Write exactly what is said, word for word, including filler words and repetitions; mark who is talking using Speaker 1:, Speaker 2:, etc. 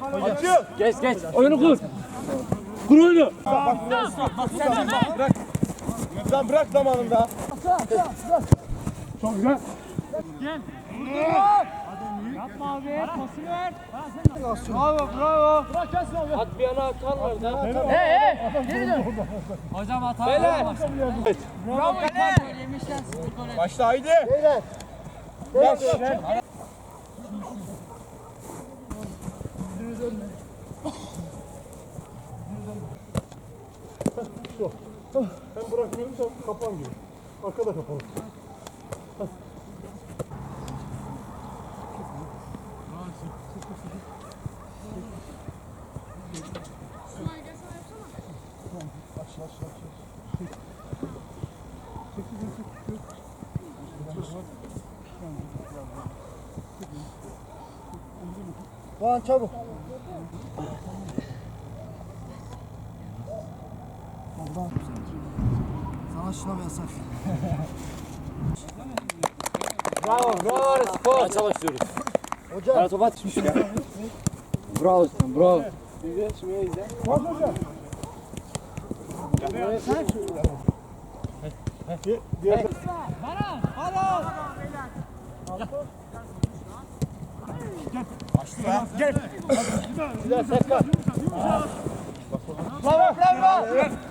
Speaker 1: Açıl.
Speaker 2: Geç geç. Oyunu kur. Kur oyunu.
Speaker 1: Bak bak sen bırak. Sen bırak zamanında.
Speaker 2: Çok güzel.
Speaker 3: Gel. Yapma abi. Pası ver. Bravo bravo. Bırak gelsin abi.
Speaker 2: At bir yana atarlar da.
Speaker 3: Hey hey. Geri dön. Hocam hata
Speaker 2: Beyler.
Speaker 3: Bravo kale.
Speaker 1: Başla haydi. Beyler. Beyler.
Speaker 4: Ben bırakmıyorum, sen kapan gibi. Arkada kapalı.
Speaker 1: Doğan çabuk. Sana şuna bir yasak.
Speaker 2: Bravo bravo spor. Maça başlıyoruz.
Speaker 1: Hocam.
Speaker 2: Bana top at. Bravo sen bravo.
Speaker 4: Diğer
Speaker 3: Baran. Baran.
Speaker 1: Güzel Serkan. Bravo bravo.